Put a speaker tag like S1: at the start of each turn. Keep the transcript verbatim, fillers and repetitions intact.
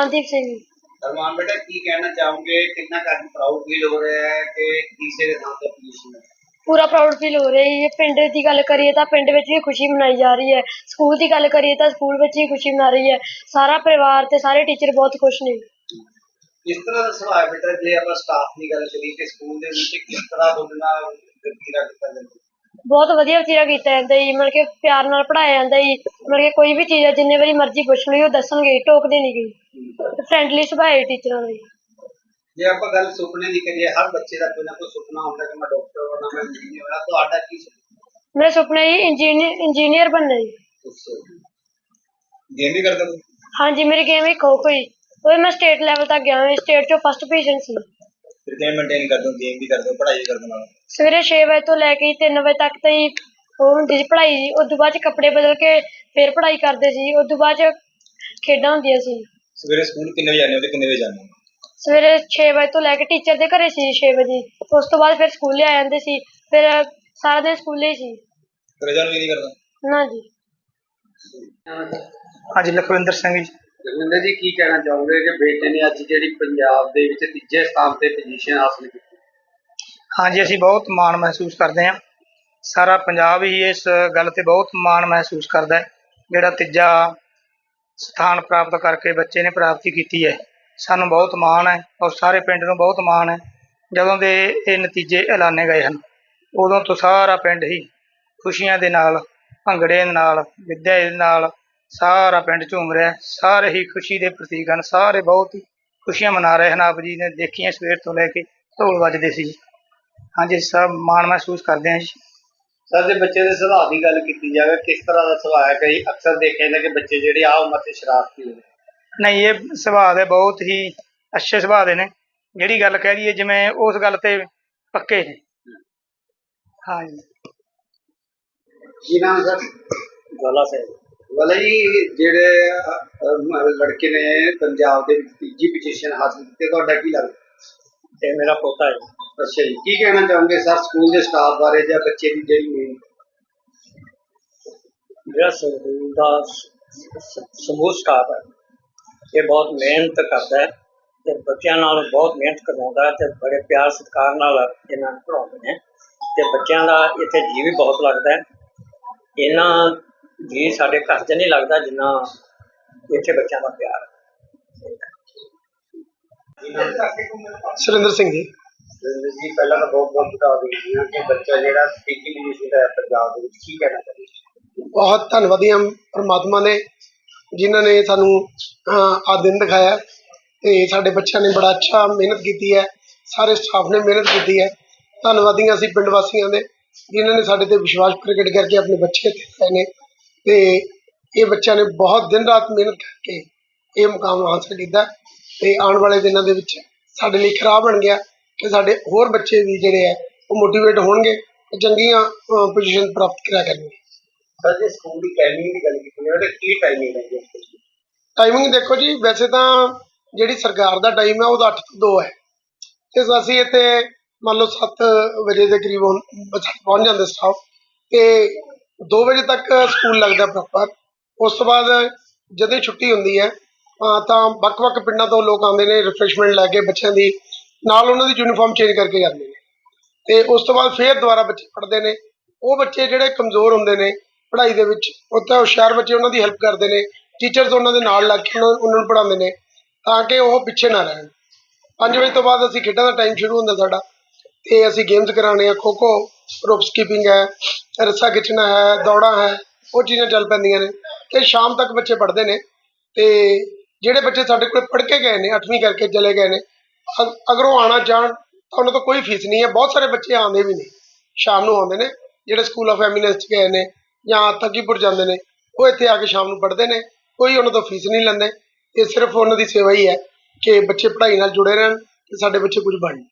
S1: ਅਰਮਾਨਦੀਪ ਸਿੰਘ।
S2: अरमान बेटा की कहना चाहोगे, कितना का प्राउड फील हो रहा है कि तीसरे स्थान पर पोजीशन है?
S1: ਪੂਰਾ ਪ੍ਰਾਊਡ ਫੀਲ ਹੋ ਰਿਹਾ ਜੀ। ਪਿੰਡ ਦੀ ਗੱਲ ਕਰੀਏ ਤਾਂ ਪਿੰਡ ਵਿੱਚ ਵੀ ਖੁਸ਼ੀ ਮਨਾਈ ਜਾ ਰਹੀ ਹੈ। ਸਕੂਲ ਦੀ ਗੱਲ ਕਰੀਏ ਤਾਂ ਸਕੂਲ ਵਿੱਚ ਵੀ ਖੁਸ਼ੀ ਮਨਾ ਰਹੀ ਹੈ। ਸਾਰਾ ਪਰਿਵਾਰ ਤੇ ਸਾਰੇ ਟੀਚਰ ਬਹੁਤ ਖੁਸ਼ ਨੇ।
S2: किस तरह का सुभाव है बेटा, जे आप स्टाफ की गल करिए कि स्कूल दे विच किस तरह तुहाडे नाल वतीरा कीता जांदा?
S1: ਬਹੁਤ ਵਧੀਆ ਵਤੀਰਾ ਕੀਤਾ ਜਾਂਦਾ ਜੀ। ਮਤਲਬ ਕਿ ਪਿਆਰ ਨਾਲ ਪੜ੍ਹਾਇਆ ਜਾਂਦਾ ਜੀ। ਮਤਲਬ ਕਿ ਕੋਈ ਵੀ ਚੀਜ਼ ਹੈ ਜਿੰਨੇ ਵਾਰੀ ਮਰਜ਼ੀ ਪੁੱਛ ਲਈ ਉਹ ਦੱਸਣਗੇ, ਟੋਕਦੇ ਨਹੀਂ ਗਏ। ਫਰੈਂਡਲੀ ਸੁਭਾਅ ਹੈ ਟੀਚਰਾਂ ਦਾ ਜੀ।
S2: ਜੇ ਆਪਾਂ ਗੱਲ ਸੁਪਨੇ ਦੀ ਕਰੀਏ, ਹਰ ਬੱਚੇ ਦਾ ਕੋਈ ਨਾ ਕੋਈ ਸੁਪਨਾ ਹੁੰਦਾ ਕਿ ਮੈਂ ਡਾਕਟਰ ਬਣਾ, ਮੈਂ ਇੰਜੀਨੀਅਰ ਬਣਾ। ਤੁਹਾਡਾ ਕੀ ਸੁਪਨਾ?
S1: ਮੇਰਾ ਸੁਪਨਾ ਜੀ ਇੰਜੀਨੀਅਰ ਇੰਜੀਨੀਅਰ ਬਣਨਾ ਜੀ।
S2: ਗੇਮ ਵੀ ਕਰਦਾ ਤੂੰ?
S1: ਹਾਂਜੀ, ਮੇਰੀ ਗੇਮ ਹੀ ਖੋ ਖੋ ਜੀ। ਉਹ ਮੈਂ ਸਟੇਟ ਲੈਵਲ ਤੱਕ ਗਿਆ ਹਾਂ। ਸਟੇਟ 'ਚੋਂ ਫਸਟ ਪੋਜੀਸ਼ਨ ਸੀ।
S2: ਫਿਰ ਕਿਵੇਂ ਮੇਨਟੇਨ ਕਰਦੇ ਹੋ? ਗੇਮ ਵੀ ਕਰਦੇ ਹੋ, ਪੜ੍ਹਾਈ ਵੀ ਕਰਦੇ ਨਾਲ?
S1: ਸਵੇਰੇ ਛੇ ਵਜੇ ਤੋਂ ਲੈ ਕੇ ਤਿੰਨ ਵਜੇ ਤੱਕ ਤਾਂ ਜੀ ਉਹ ਹੁੰਦੀ ਸੀ ਪੜ੍ਹਾਈ ਜੀ। ਉਸ ਤੋਂ ਬਾਅਦ 'ਚ ਕੱਪੜੇ ਬਦਲ ਕੇ ਫਿਰ ਪੜ੍ਹਾਈ ਕਰਦੇ ਸੀ। ਉਸ ਤੋਂ ਬਾਅਦ 'ਚ ਖੇਡਾਂ ਹੁੰਦੀਆਂ ਸੀ।
S2: ਸਵੇਰੇ ਸਕੂਲ ਕਿੰਨੇ ਵਜੇ ਜਾਂਦੇ ਹੋ ਤੇ ਕਿੰਨੇ ਵਜੇ ਜਾਂਦੇ ਹੋ?
S1: ਸਵੇਰੇ ਛੇ ਵਜੇ ਤੋਂ ਲੈ ਕੇ ਟੀਚਰ ਦੇ ਘਰੇ ਸੀ ਛੇ ਵਜੇ। ਉਸ ਤੋਂ ਬਾਅਦ ਫਿਰ ਸਕੂਲੇ ਆ ਜਾਂਦੇ ਸੀ। ਫਿਰ ਸਾਰਾ ਦਿਨ ਸਕੂਲੇ ਹੀ ਸੀ।
S2: ਘਰੇ ਜਾਣ ਵੀ ਨਹੀਂ ਕਰਦਾ?
S1: ਨਾ ਜੀ।
S3: ਹਾਂਜੀ, ਲਖਵਿੰਦਰ ਸਿੰਘ ਜੀ।
S2: ਜਗਵਿੰਦਰ ਜੀ, ਕੀ ਕਹਿਣਾ ਚਾਹੋਗੇ ਕਿ ਬੇਟੇ ਨੇ ਅੱਜ ਜਿਹੜੀ ਪੰਜਾਬ ਦੇ ਵਿੱਚ ਤੀਜੇ ਸਥਾਨ ਤੇ ਪੋਜੀਸ਼ਨ ਹਾਸਲ ਕੀਤੀ?
S3: ਹਾਂਜੀ, ਅਸੀਂ ਬਹੁਤ ਮਾਣ ਮਹਿਸੂਸ ਕਰਦੇ ਹਾਂ। ਸਾਰਾ ਪੰਜਾਬ ਹੀ ਇਸ ਗੱਲ ਤੇ ਬਹੁਤ ਮਾਣ ਮਹਿਸੂਸ ਕਰਦਾ ਹੈ, ਜਿਹੜਾ ਤੀਜਾ ਸਥਾਨ ਪ੍ਰਾਪਤ ਕਰਕੇ ਬੱਚੇ ਨੇ ਪ੍ਰਾਪਤੀ ਕੀਤੀ ਹੈ। ਸਾਨੂੰ ਬਹੁਤ ਮਾਣ ਹੈ ਔਰ ਸਾਰੇ ਪਿੰਡ ਨੂੰ ਬਹੁਤ ਮਾਣ ਹੈ। ਜਦੋਂ ਦੇ ਇਹ ਨਤੀਜੇ ਐਲਾਨੇ ਗਏ ਹਨ ਉਦੋਂ ਤੋਂ ਸਾਰਾ ਪਿੰਡ ਹੀ ਖੁਸ਼ੀਆਂ ਦੇ ਨਾਲ, ਭੰਗੜੇ ਦੇ ਨਾਲ, ਗਿੱਧੇ ਦੇ ਨਾਲ ਸਾਰਾ ਪਿੰਡ ਝੂਮ ਰਿਹਾ। ਸਾਰੇ ਹੀ ਖੁਸ਼ੀ ਦੇ ਪ੍ਰਤੀਕ ਹਨ। ਸਾਰੇ ਬਹੁਤ ਹੀ ਖੁਸ਼ੀਆਂ ਮਨਾ ਰਹੇ ਹਨ। ਆਪ ਜੀ ਨੇ ਦੇਖੀਆਂ ਸਵੇਰ ਤੋਂ ਲੈ ਕੇ ਢੋਲ ਵੱਜਦੇ ਸੀ। ਹਾਂਜੀ, ਸਭ ਮਾਣ ਮਹਿਸੂਸ ਕਰਦੇ ਹਾਂ ਜੀ।
S2: ਸਰ, ਜੇ ਬੱਚੇ ਦੇ ਸੁਭਾਅ ਦੀ ਗੱਲ ਕੀਤੀ ਜਾਵੇ, ਕਿਸ ਤਰ੍ਹਾਂ ਦਾ ਸੁਭਾਅ ਹੈ? ਕਈ ਅਕਸਰ ਦੇਖਿਆ ਜਾਂਦਾ ਕਿ ਬੱਚੇ ਜਿਹੜੇ ਆ ਉਮਰ 'ਤੇ ਸ਼ਰਾਰਤੀ ਹੁੰਦੇ।
S3: ਨਹੀਂ, ਇਹ ਸੁਭਾਅ ਦੇ ਬਹੁਤ ਹੀ ਅੱਛੇ ਸੁਭਾਅ ਦੇ ਨੇ। ਜਿਹੜੀ ਗੱਲ ਕਹਿ ਦਈਏ ਜਿਵੇਂ ਉਸ ਗੱਲ ਤੇ ਪੱਕੇ ਨੇ। ਹਾਂਜੀ।
S2: ਕੀ ਨਾਮ ਸਰ?
S3: ਗੋਲਾ ਸਿੰਘ।
S2: ਵਾਲਾ ਜੀ, ਜਿਹੜੇ ਅਹ, ਲੜਕੇ ਨੇ ਪੰਜਾਬ ਦੇ ਵਿੱਚ ਤੀਜੀ ਪੋਜੀਸ਼ਨ ਹਾਸਲ ਕੀਤੀ, ਤੁਹਾਡਾ ਕੀ ਲੱਗਦਾ?
S3: ਇਹ ਮੇਰਾ ਪੋਤਾ ਹੈ।
S2: ਅੱਛਾ ਜੀ, ਕੀ ਕਹਿਣਾ ਚਾਹੋਗੇ ਸਰ ਸਕੂਲ ਦੇ ਸਟਾਫ ਬਾਰੇ ਜਾਂ ਬੱਚੇ ਦੀ ਜਿਹੜੀ ਮੇਨ?
S3: ਜਿਹੜਾ ਸਕੂਲ ਦਾ ਸਮੂਹ ਸਟਾਫ ਹੈ ਇਹ ਬਹੁਤ ਮਿਹਨਤ ਕਰਦਾ ਹੈ ਅਤੇ ਬੱਚਿਆਂ ਨਾਲ ਬਹੁਤ ਮਿਹਨਤ ਕਰਵਾਉਂਦਾ ਹੈ ਅਤੇ ਬੜੇ ਪਿਆਰ ਸਤਿਕਾਰ ਨਾਲ ਇਹਨਾਂ ਨੂੰ ਪੜ੍ਹਾਉਂਦੇ ਨੇ ਅਤੇ ਬੱਚਿਆਂ ਦਾ ਇੱਥੇ ਜੀਅ ਵੀ ਬਹੁਤ ਲੱਗਦਾ ਹੈ। ਇਹਨਾਂ ਜੀਅ ਸਾਡੇ ਘਰ 'ਚ ਨਹੀਂ ਲੱਗਦਾ ਜਿੰਨਾ ਇੱਥੇ ਬੱਚਿਆਂ ਦਾ ਪਿਆਰ ਹੈ।
S4: ਸੁਰਿੰਦਰ ਸਿੰਘ ਜੀ।
S2: ਜੀ, ਪਹਿਲਾਂ ਤਾਂ ਬਹੁਤ ਬਹੁਤ ਵਧਾਈ ਕਿ ਬੱਚਾ ਜਿਹੜਾ ਸਪੀਕਿੰਗ ਇੰਗਲਿਸ਼ ਦਾ ਪੰਜਾਬ ਦੇ ਵਿੱਚ, ਕੀ ਕਹਿਣਾ ਚਾਹੀਦਾ?
S4: ਬਹੁਤ ਧੰਨਵਾਦੀ ਹਾਂ ਪਰਮਾਤਮਾ ਨੇ, ਜਿਨ੍ਹਾਂ ਨੇ ਸਾਨੂੰ ਆਹ ਦਿਨ ਦਿਖਾਇਆ ਤੇ ਸਾਡੇ ਬੱਚਿਆਂ ਨੇ ਬੜਾ ਅੱਛਾ ਮਿਹਨਤ ਕੀਤੀ ਹੈ। ਸਾਰੇ ਸਟਾਫ ਨੇ ਮਿਹਨਤ ਕੀਤੀ ਹੈ। ਧੰਨਵਾਦੀ ਹਾਂ ਅਸੀਂ ਪਿੰਡ ਵਾਸੀਆਂ ਦੇ, ਜਿਨ੍ਹਾਂ ਨੇ ਸਾਡੇ ਤੇ ਵਿਸ਼ਵਾਸ ਪ੍ਰਗਟ ਕਰਕੇ ਆਪਣੇ ਬੱਚੇ ਇੱਥੇ ਪਾਏ ਨੇ ਤੇ ਇਹ ਬੱਚਿਆਂ ਨੇ ਬਹੁਤ ਦਿਨ ਰਾਤ ਮਿਹਨਤ ਕਰਕੇ ਇਹ ਮੁਕਾਮ ਹਾਸਲ ਕੀਤਾ ਤੇ ਆਉਣ ਵਾਲੇ ਦਿਨਾਂ ਦੇ ਵਿੱਚ ਸਾਡੇ ਲਈ ਖਰਾਬ ਬਣ ਗਿਆ ਕਿ ਸਾਡੇ ਹੋਰ ਬੱਚੇ ਵੀ ਜਿਹੜੇ ਹੈ ਉਹ ਮੋਟੀਵੇਟ ਹੋਣਗੇ ਤੇ ਚੰਗੀਆਂ ਪੋਜੀਸ਼ਨ ਪ੍ਰਾਪਤ ਕਰਿਆ ਕਰਨਗੇ।
S2: ਸਰ, ਜੇ ਸਕੂਲ ਦੀ ਟਾਈਮਿੰਗ ਦੀ ਗੱਲ ਕੀਤੀ ਜਾਵੇ ਤਾਂ ਕੀ ਟਾਈਮਿੰਗ ਹੈ?
S4: ਟਾਈਮਿੰਗ ਦੇਖੋ ਜੀ, ਵੈਸੇ ਤਾਂ ਜਿਹੜੀ ਸਰਕਾਰ ਦਾ ਟਾਈਮ ਹੈ ਉਹਦਾ ਅੱਠ ਤੋਂ ਦੋ ਹੈ ਤੇ ਅਸੀਂ ਇੱਥੇ ਮੰਨ ਲਓ ਸੱਤ ਵਜੇ ਦੇ ਕਰੀਬ ਪਹੁੰਚ ਜਾਂਦੇ ਸਟਾਫ ਤੇ ਦੋ ਵਜੇ ਤੱਕ ਸਕੂਲ ਲੱਗਦਾ ਪ੍ਰੋਪਰ। ਉਸ ਤੋਂ ਬਾਅਦ ਜਦੋਂ ਛੁੱਟੀ ਹੁੰਦੀ ਹੈ ਤਾਂ ਵੱਖ-ਵੱਖ ਪਿੰਡਾਂ ਤੋਂ ਲੋਕ ਆਉਂਦੇ ਨੇ ਰਿਫਰੈਸ਼ਮੈਂਟ ਲੈ ਕੇ ਬੱਚਿਆਂ ਦੀ, ਨਾਲ ਉਹਨਾਂ ਦੀ ਯੂਨੀਫਾਰਮ ਚੇਂਜ ਕਰਕੇ ਜਾਂਦੇ ਨੇ ਤੇ ਉਸ ਤੋਂ ਬਾਅਦ ਫਿਰ ਦੁਬਾਰਾ ਬੱਚੇ ਪੜ੍ਹਦੇ ਨੇ। ਉਹ ਬੱਚੇ ਜਿਹੜੇ ਕਮਜ਼ੋਰ ਹੁੰਦੇ ਨੇ ਪੜ੍ਹਾਈ ਦੇ ਵਿੱਚ, ਉੱਥੇ ਹੁਸ਼ਿਆਰ ਬੱਚੇ ਉਹਨਾਂ ਦੀ ਹੈਲਪ ਕਰਦੇ ਨੇ, ਟੀਚਰਸ ਉਹਨਾਂ ਦੇ ਨਾਲ ਲੱਗ ਕੇ ਉਹਨਾਂ ਉਹਨਾਂ ਨੂੰ ਪੜ੍ਹਾਉਂਦੇ ਨੇ ਤਾਂ ਕਿ ਉਹ ਪਿੱਛੇ ਨਾ ਰਹਿਣ। ਪੰਜ ਵਜੇ ਤੋਂ ਬਾਅਦ ਅਸੀਂ ਖੇਡਾਂ ਦਾ ਟਾਈਮ ਸ਼ੁਰੂ ਹੁੰਦਾ ਸਾਡਾ ਤੇ ਅਸੀਂ ਗੇਮਸ ਕਰਾਉਣੇ ਆ। ਖੋ ਖੋ, ਰੋਪ ਸਕਿਪਿੰਗ ਹੈ, ਰੱਸਾ ਖਿੱਚਣਾ ਹੈ, ਦੌੜਾਂ ਹੈ, ਉਹ ਚੀਜ਼ਾਂ ਚੱਲ ਪੈਂਦੀਆਂ ਨੇ ਤੇ ਸ਼ਾਮ ਤੱਕ ਬੱਚੇ ਪੜ੍ਹਦੇ ਨੇ। ਤੇ ਜਿਹੜੇ ਬੱਚੇ ਸਾਡੇ ਕੋਲ ਪੜ੍ਹ ਕੇ ਗਏ ਨੇ, ਅੱਠਵੀਂ ਕਰਕੇ ਚਲੇ ਗਏ ਨੇ, ਅਗਰ ਉਹ ਆਉਣਾ ਚਾਹਣ ਤਾਂ ਉਹਨਾਂ ਤੋਂ ਕੋਈ ਫੀਸ ਨਹੀਂ ਹੈ। ਬਹੁਤ ਸਾਰੇ ਬੱਚੇ ਆਉਂਦੇ ਵੀ ਨੇ, ਸ਼ਾਮ ਨੂੰ ਆਉਂਦੇ ਨੇ, ਜਿਹੜੇ ਸਕੂਲ ਆਫ ਐਮੀਨੈਂਸ 'ਚ ਗਏ ਨੇ ਜਾਂ ਤੱਕੀਪੁਰ ਜਾਂਦੇ ਨੇ, ਉਹ ਇੱਥੇ ਆ ਕੇ ਸ਼ਾਮ ਨੂੰ ਪੜ੍ਹਦੇ ਨੇ। ਕੋਈ ਉਹਨਾਂ ਤੋਂ ਫੀਸ ਨਹੀਂ ਲੈਂਦੇ। ਇਹ ਸਿਰਫ ਉਹਨਾਂ ਦੀ ਸੇਵਾ ਹੀ ਹੈ ਕਿ ਬੱਚੇ ਪੜ੍ਹਾਈ ਨਾਲ ਜੁੜੇ ਰਹਿਣ ਤੇ ਸਾਡੇ ਬੱਚੇ ਕੁਝ ਬਣਨ।